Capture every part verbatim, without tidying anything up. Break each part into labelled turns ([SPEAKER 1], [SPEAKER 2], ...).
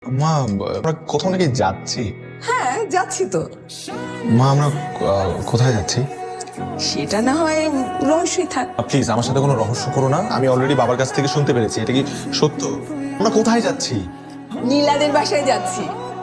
[SPEAKER 1] মা, আমরা কোথাও নাকি যাচ্ছি।
[SPEAKER 2] হ্যাঁ যাচ্ছি তো।
[SPEAKER 1] মা, আমরা আহ, কোথায় যাচ্ছি?
[SPEAKER 2] সেটা না হয় রহস্যই থাক।
[SPEAKER 1] প্লিজ আমার সাথে কোনো রহস্য করো না। আমি অলরেডি বাবার কাছ থেকে শুনতে পেরেছি। এটা কি সত্য? আমরা কোথায় যাচ্ছি?
[SPEAKER 2] নীলাদের বাসায় যাচ্ছি।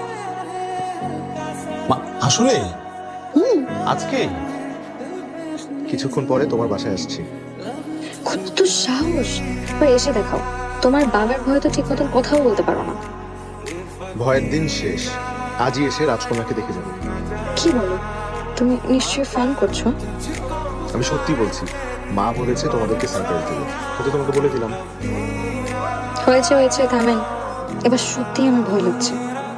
[SPEAKER 1] মা, আসলে আজকে
[SPEAKER 3] কিছুক্ষণ পরে তোমার বাসায় আসছি।
[SPEAKER 4] কত সাহস! এবার এসে দেখাও। তোমার বাবার ভয়ে তো ঠিক মতন কথাও বলতে পারো না।
[SPEAKER 3] ভয়ের দিন শেষ, আজই এসে রাজকন্যাকে দেখে যাবো।
[SPEAKER 4] কি বলো? তুমি নিশ্চয়ই ফোন করছো।
[SPEAKER 3] আমি সত্যি বলছি, মা বলেছে তোমাদেরকে সারপ্রাইজ দেবো, তো তোমাকে বলে দিলাম।
[SPEAKER 4] হয়েছে হয়েছে, থামেন। এবার সত্যি আমার ভয় লাগছে।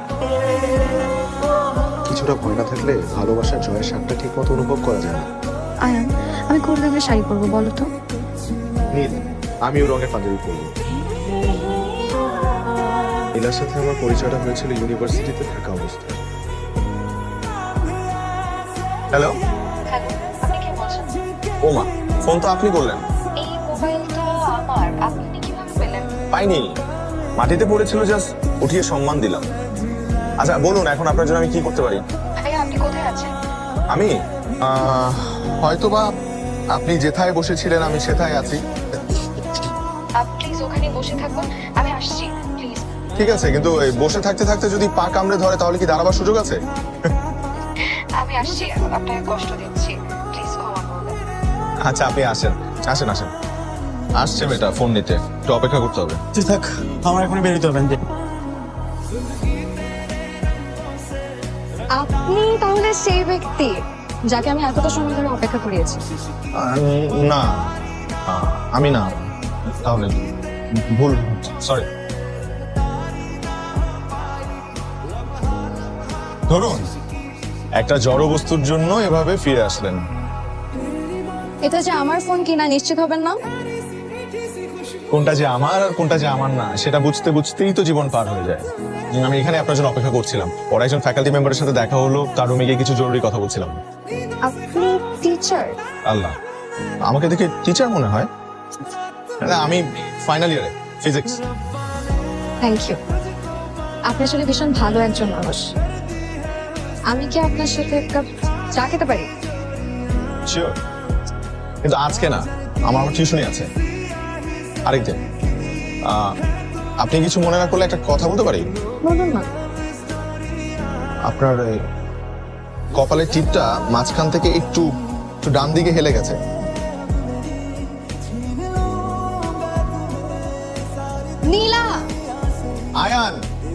[SPEAKER 3] কিছুটা ভয় না থাকলে ভালোবাসার জয়ের স্বাদটা ঠিক মতো অনুভব করা যায় না।
[SPEAKER 4] আয়ান, আমি কোন রঙের শাড়ি পরবো বলো তো?
[SPEAKER 3] নীল, আমিও রঙের পাঞ্জাবি পরবো। নীলার সাথে আমার পরিচয়টা হয়েছিল ইউনিভার্সিটিতে থাকা অবস্থায়।
[SPEAKER 1] হ্যালো।
[SPEAKER 4] হ্যালো, আপনি কে বলছেন?
[SPEAKER 1] ও মা, ফোন তো আপনি করলেন।
[SPEAKER 4] এই মোবাইলটা আমার, আপনি কিভাবে পেলেন?
[SPEAKER 1] পাইনি, মাটিতে পড়েছিল, জাস্ট উঠিয়ে সম্মান দিলাম। আচ্ছা বলুন, এখন আপনার জন্য আমি কি করতে পারি?
[SPEAKER 4] ভাইয়া, আপনি কোথায় আছেন?
[SPEAKER 1] আমি হয়তোবা আপনি যেথায় বসেছিলেন আমি সেথায় আছি।
[SPEAKER 4] আপনি প্লিজ ওখানে বসে থাকুন, আমি আসছি প্লিজ।
[SPEAKER 1] ঠিক আছে, কিন্তু এই বসে থাকতে থাকতে যদি পা কামড়ে ধরে তাহলে কি দাঁড়াবার সুযোগ আছে?
[SPEAKER 4] আমি আসছি, আপনাকে কষ্ট দিচ্ছি, প্লিজ ক্ষমা করবেন।
[SPEAKER 1] আচ্ছা আপনি আসেন, আসেন আসেন। আসছে বেটা ফোন নিতে, একটু অপেক্ষা করতে হবে।
[SPEAKER 5] তুই থাক, আমার এখনই বেরোতে হবে।
[SPEAKER 4] আপনি তাহলে সেই ব্যক্তি যাকে আমি এতটা সময় ধরে অপেক্ষা করিয়েছি?
[SPEAKER 1] আহ, না, আহ, আমি না। তাহলে ভুল, সরি। ধরুন, একটা জড় বস্তুর জন্য এভাবে ফিরে আসলেন।
[SPEAKER 4] এটা যে আমার ফোন কিনা নিশ্চিত হবেন না?
[SPEAKER 1] কোনটা যে আমার আর কোনটা যে আমার না সেটা বুঝতে বুঝতেই তো জীবন পার হয়ে যায়। আমি এখানে আপনার জন্য অপেক্ষা করছিলাম, ওর একজন ফ্যাকাল্টি মেম্বারের সাথে দেখা হলো, তার রুমে গিয়ে কিছু জরুরি কথা বলছিলাম।
[SPEAKER 4] আপনি টিচার?
[SPEAKER 1] আল্লাহ, আমাকে দেখে টিচার মনে হয়? না, আমি ফাইনাল ইয়ারে ফিজিক্স।
[SPEAKER 4] Thank you. আপনি আসলে ভীষণ ভালো একজন মানুষ। আমি কি আপনার সাথে এক কাপ চা খেতে পারি?
[SPEAKER 1] শিওর, কিন্তু আজকে না, আমার আমার টিউশনই আছে আরেকদিন। আহ, আপনি কিছু মনে না করলে একটা কথা বলতে পারি?
[SPEAKER 4] বলুন না।
[SPEAKER 1] আপনার এই কপালের টিপটা মাঝখান থেকে একটু একটু ডান দিকে হেলে গেছে।
[SPEAKER 4] নীলা!
[SPEAKER 1] আয়ান,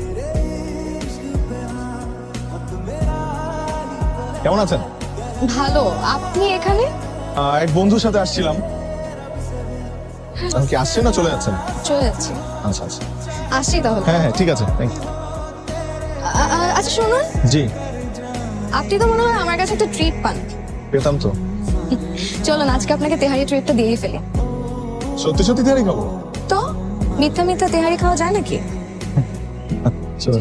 [SPEAKER 1] কেমন আছেন?
[SPEAKER 4] ভালো। আপনি এখানে?
[SPEAKER 1] আহ, এক বন্ধুর সাথে আসছিলাম। আপনি কি আসছেন না চলে যাচ্ছেন?
[SPEAKER 4] চলে যাচ্ছি।
[SPEAKER 1] আচ্ছা আচ্ছা,
[SPEAKER 4] আসছি তাহলে।
[SPEAKER 1] হ্যাঁ হ্যাঁ ঠিক আছে, থ্যাংক ইউ।
[SPEAKER 4] আ- আ- আচ্ছা শুনুন,
[SPEAKER 1] জি,
[SPEAKER 4] আপনি তো মনে হয় আমার কাছে একটা ট্রিট পান।
[SPEAKER 1] পেতাম তো।
[SPEAKER 4] চলুন আজকে আপনাকে তেহারি ট্রিটটা দিয়েই ফেলি।
[SPEAKER 1] সত্যি সত্যি তৈরি খাবো?
[SPEAKER 4] তো মিথ্যা মিথ্যা তেহারি খাওয়া যায় নাকি?
[SPEAKER 1] চলো।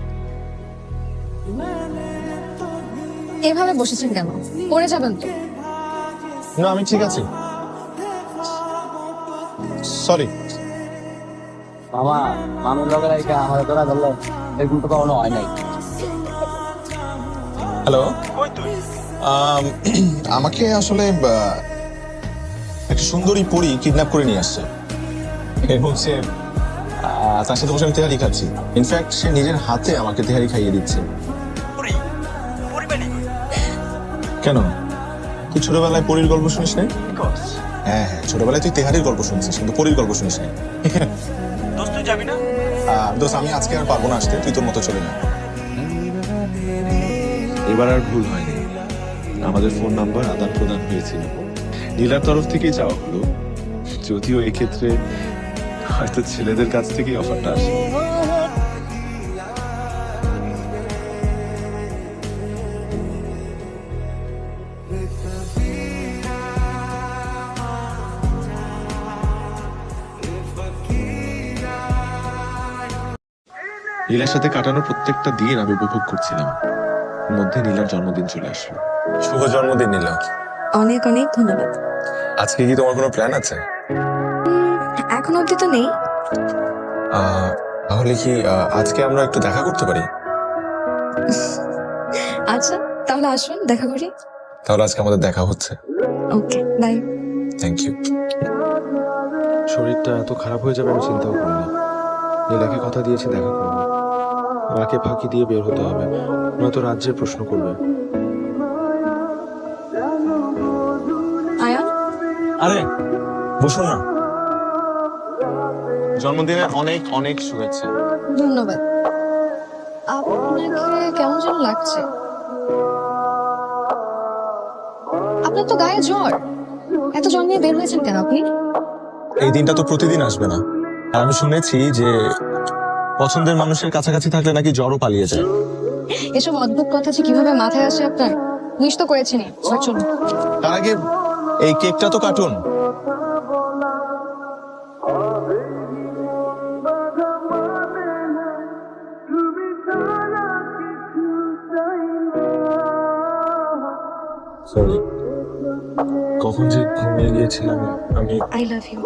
[SPEAKER 4] এভাবে বসেছেন কেন? পড়ে যাবেন তো।
[SPEAKER 1] না আমি ঠিক আছি, সরি।
[SPEAKER 5] মামা, মামির লোকের আমার ধরা ধরলো, এরকম তো কখনো হয় নাই।
[SPEAKER 1] হ্যালো, আমাকে আসলে আহ, একটা সুন্দরী পরী কিডন্যাপ করে নিয়ে আসছে এবং সে আহ, তার সাথে বসে আমি তেহারি খাচ্ছি। ইনফ্যাক্ট সে নিজের হাতে আমাকে তেহারি খাইয়ে দিচ্ছে। কেন, তুই ছোটবেলায় পরীর গল্প শুনিস নাই? হ্যাঁ হ্যাঁ, ছোটবেলায় তুই তেহারির গল্প শুনছিস কিন্তু পরীর গল্প শুনিস নাই।
[SPEAKER 5] দোস্ত তুই যাবি না?
[SPEAKER 1] আহ, দোস্ত আমি আজকে আর পারবো না আসতে, তুই তোর মতো চলে যা।
[SPEAKER 6] এবার আর ভুল হয়নি, আমাদের ফোন নাম্বার আদান প্রদান হয়েছিল, নীলার তরফ থেকেই চাওয়া হলো, যদিও এক্ষেত্রে হয়তো ছেলেদের কাছ থেকেই অফারটা আসে। নীলার সাথে কাটানোর প্রত্যেকটা দিন আমি উপভোগ করছিলাম, এর মধ্যে নীলার জন্মদিন চলে আসলো।
[SPEAKER 1] শুভ জন্মদিন নীলা।
[SPEAKER 4] অনেক অনেক ধন্যবাদ।
[SPEAKER 1] আজকে কি তোমার কোনো প্ল্যান আছে?
[SPEAKER 4] এখন অব্দি তো নেই।
[SPEAKER 1] আহ, তাহলে কি আহ, আজকে আমরা একটু দেখা করতে পারি?
[SPEAKER 4] আচ্ছা তাহলে আসুন দেখা করি।
[SPEAKER 1] তাহলে আজকে আমাদের দেখা হচ্ছে।
[SPEAKER 4] Okay bye.
[SPEAKER 1] Thank you.
[SPEAKER 3] শরীরটা এত খারাপ হয়ে যাবে আমি চিন্তাও করিনি। নীলাকে কথা দিয়েছি দেখা করবো। মাকে ফাঁকি দিয়ে বের হতে হবে, নয়তো রাজ্যের প্রশ্ন করবে।
[SPEAKER 4] আয়ান
[SPEAKER 1] আরে বসুন না। জন্মদিনের অনেক অনেক শুভেচ্ছা।
[SPEAKER 4] ধন্যবাদ। আপনাকে কেমন যেন লাগছে। আপনার তো গায়ে জ্বর, এত জ্বর নিয়ে বের হয়েছেন কেন আপনি?
[SPEAKER 1] এই দিনটা তো প্রতিদিন আসবে না। আর আমি শুনেছি যে পছন্দের মানুষের কাছাকাছি থাকলে নাকি জ্বরও পালিয়ে যায়।
[SPEAKER 4] এসব অদ্ভুত কথা যে কিভাবে মাথায় আসে আপনার? উইশ তো করেছেনই, চলুন।
[SPEAKER 1] তার আগে এই কেকটা তো কাটুন। সরি, কখন যে ঘুমিয়ে গিয়েছিলাম আমি।
[SPEAKER 4] I love you.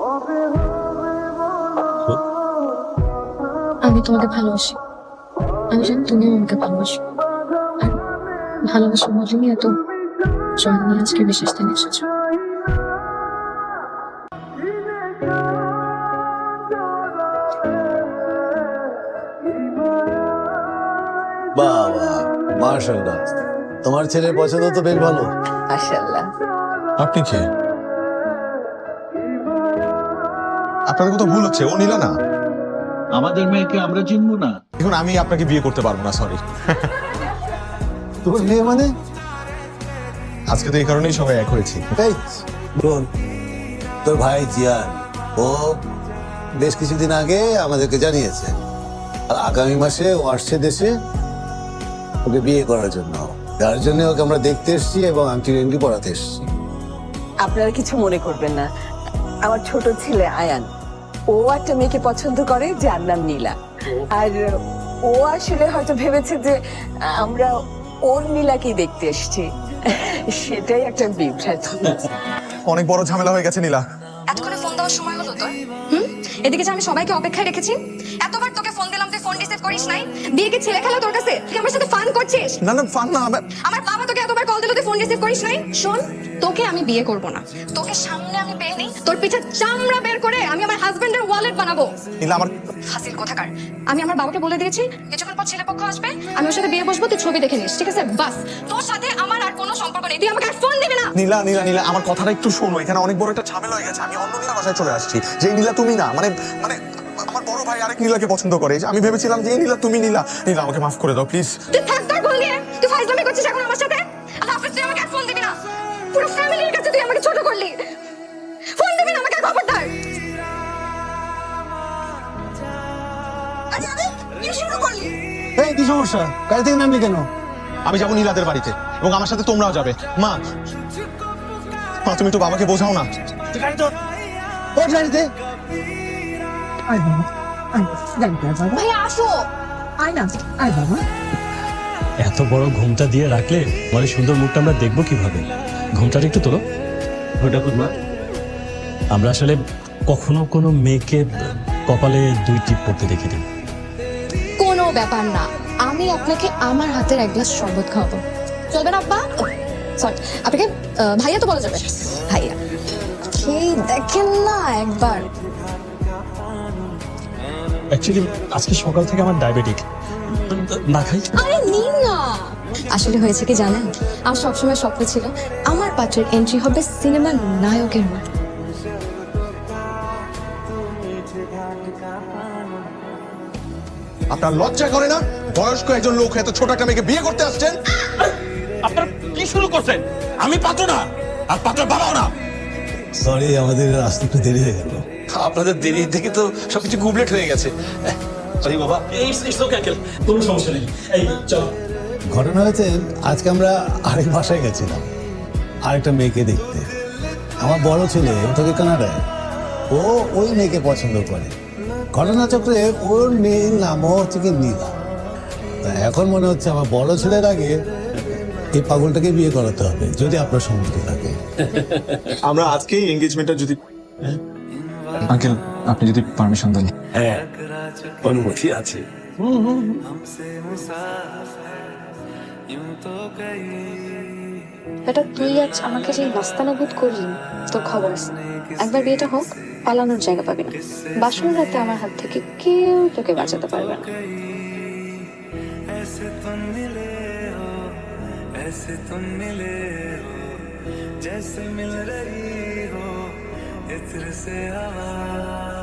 [SPEAKER 4] আমি তোমাকে ভালোবাসি, আমি জানি তুমিও আমাকে ভালোবাসো। আর ভালোবাসা বলেনি এত জ্বর নিয়ে আজকে বিশেষ দিন এসেছো।
[SPEAKER 7] বাবা মাশাআল্লাহ, তোমার ছেলের পছন্দ তো বেশ ভালো।
[SPEAKER 2] মাশাআল্লাহ।
[SPEAKER 1] আপনি কে? আপনাদের কোথাও ভুল হচ্ছে, ও নীলা না।
[SPEAKER 8] আমাদের মেয়েকে আমরা চিনবো না?
[SPEAKER 1] এখন আমি আপনাকে বিয়ে করতে পারবো না, সরি।
[SPEAKER 7] তোমার মেয়ে মানে?
[SPEAKER 1] আজকে তো এই কারণেই সবাই এক হয়েছি।
[SPEAKER 7] এই বোন, তোর ভাই জিয়ান, ও বেশ কিছুদিন আগে আমাদেরকে জানিয়েছে আর আগামী মাসে ও আসছে দেশে ওকে বিয়ে করার জন্য। তার জন্য ওকে আমরা দেখতে এসেছি এবং আংটি রেঙ্গি পড়াতে এসেছি।
[SPEAKER 2] আপনারা কিছু মনে করবেন না, আমার ছোট ছেলে আয়ান, ও একটা মেয়েকে পছন্দ করে যার নাম নীলা। আর ও আসলে হয়তো ভেবেছে যে আমরা ওর নীলাকেই দেখতে এসেছি, সেটাই একটা বিভ্রান্তি।
[SPEAKER 1] অনেক বড় ঝামেলা হয়ে গেছে নীলা।
[SPEAKER 4] এতক্ষণে ফোন দেওয়ার সময় হলো তোর? হুম, এদিকে যে আমি সবাইকে অপেক্ষায় রেখেছি, এতবার তোকে ফোন দিলাম তুই ফোন রিসিভ করিস নাই। বিয়ে কি ছেলে খেলা তোর কাছে? তুই আমার সাথে ফান করছিস?
[SPEAKER 1] না না, ফান না।
[SPEAKER 4] আমার বাবা তোকে এতবার কল দিল তুই ফোন রিসিভ করিস নাই। শোন, তোকে আমি বিয়ে করব না। তোকে সামনে আমি পেয়ে নেই, তোর পিঠে চামড়া বের করে আমি আমার হাজবেন্ডের ওয়ালেট বানাবো।
[SPEAKER 1] নীলা আমার
[SPEAKER 4] হাসির কোথাকার। আমি আমার বাবাকে বলে দিয়েছি কিছুক্ষণ পর ছেলে পক্ষ আসবে, আমি ওর সাথে বিয়ে বসবো, তুই ছবি দেখে নিস, ঠিক আছে? বাস, তোর সাথে আমার আর কোনো সম্পর্ক নেই। তুই আমাকে আর ফোন দিবি না।
[SPEAKER 1] নীলা নীলা নীলা আমার কথাটা একটু শোনো। এখানে অনেক বড় একটা ঝামেলা হয়ে গেছে। আমি অন্য নীলা বাসায় চলে আসছি। যে নীলা তুমি না, মানে মানে আমার বড় ভাই আরেক নীলাকে পছন্দ করে। আমি ভেবেছিলাম যে এই নীলা তুমি নীলা। নীলা আমাকে মাফ করে দাও প্লিজ।
[SPEAKER 4] তুই থাক তোর ভুল নিয়ে। তুই ফাইজলামি করছিস এখন আমার সাথে। আর হাফিজ তুই আমাকে আর ফোন দিবি না। পুরো ফ্যামিলির কাছে তুই আমাকে ছোট করলি। ফোন দিবি না আমাকে আর, খবরদার। আরে আরে কি শুরু করলি?
[SPEAKER 7] এই কি সমস্যা? গাড়ি থেকে নামলি কেন?
[SPEAKER 1] আমি যাবো নীলাদের বাড়িতে এবং আমার সাথে তোমরাও যাবে। মা মা তুমি একটু বাবাকে বোঝাও না।
[SPEAKER 7] ওর গাড়িতে
[SPEAKER 4] ভাইয়া আসো।
[SPEAKER 9] এত বড় ঘুমটা দিয়ে রাখলে আমার এই সুন্দর মুখটা আমরা দেখবো কিভাবে? ঘুমটাটা একটু তোলো। ওটা করবো। আমরা আসলে কখনো কোনো মেয়েকে কপালে দুই টিপ পড়তে দেখিনি।
[SPEAKER 4] কোনো ব্যাপার না, আমি আপনাকে আমার হাতের এক গ্লাস শরবত খাওয়াবো। চলবে না আব্বা? সরি, আপনাকে আহ, ভাইয়া তো বলা যাবে। ভাইয়া খেয়ে দেখেন না একবার।
[SPEAKER 9] অ্যাকচুয়ালি আজকে সকাল থেকে আমার ডায়াবেটিক, না খাই।
[SPEAKER 4] আরে নিন না। আসলে হয়েছে কি জানেন, আমার সবসময় স্বপ্ন ছিল আমার পাত্রের এন্ট্রি হবে সিনেমার নায়কের মতো।
[SPEAKER 1] আপনার লজ্জা করে না? বয়স্ক একজন লোক এত ছোট একটা মেয়েকে বিয়ে করতে আসছেন।
[SPEAKER 8] আপনারা কি শুরু করছেন? আমি পাত্র না, আর পাত্র বাবাও না।
[SPEAKER 7] সরি, আমাদের আসতে একটু দেরি হয়ে গেল।
[SPEAKER 8] আপনাদের দেরি থেকে তো সবকিছু গুবলেট হয়ে গেছে। সরি বাবা।
[SPEAKER 9] কোনো সমস্যা নেই, এই চল।
[SPEAKER 7] ঘটনা হয়েছে, আজকে আমরা আরেক বাসায় গেছিলাম আরেকটা মেয়েকে দেখতে। আমার বড় ছেলে থেকে কানাডায়, ও ওই মেয়েকে পছন্দ করে। ঘটনাচক্রে ওর মেয়ের নামও হচ্ছে কি নীলা। তা এখন মনে হচ্ছে আমার বড় ছেলের আগে এই পাগলটাকে বিয়ে করাতে হবে, যদি আপনার সম্মতি থাকে।
[SPEAKER 1] আমরা আজকেই এনগেজমেন্টটা যদি আঙ্কেল আপনি যদি পারমিশন দেন।
[SPEAKER 8] হ্যাঁ
[SPEAKER 9] অনুমতি আছে।
[SPEAKER 4] এটা তুই আজ আমাকে যে নাস্তানা বোধ করলি তোর খবর আছে। একবার বিয়েটা হোক, পালানোর জায়গা পাবি না। বাসর রাতে আমার হাত থেকে কেউ তোকে বাঁচাতে পারবে না।
[SPEAKER 10] ऐसे तुम मिले हो, ऐसे तुम मिले हो, जैसे मिल रही हो इत्र से हवा।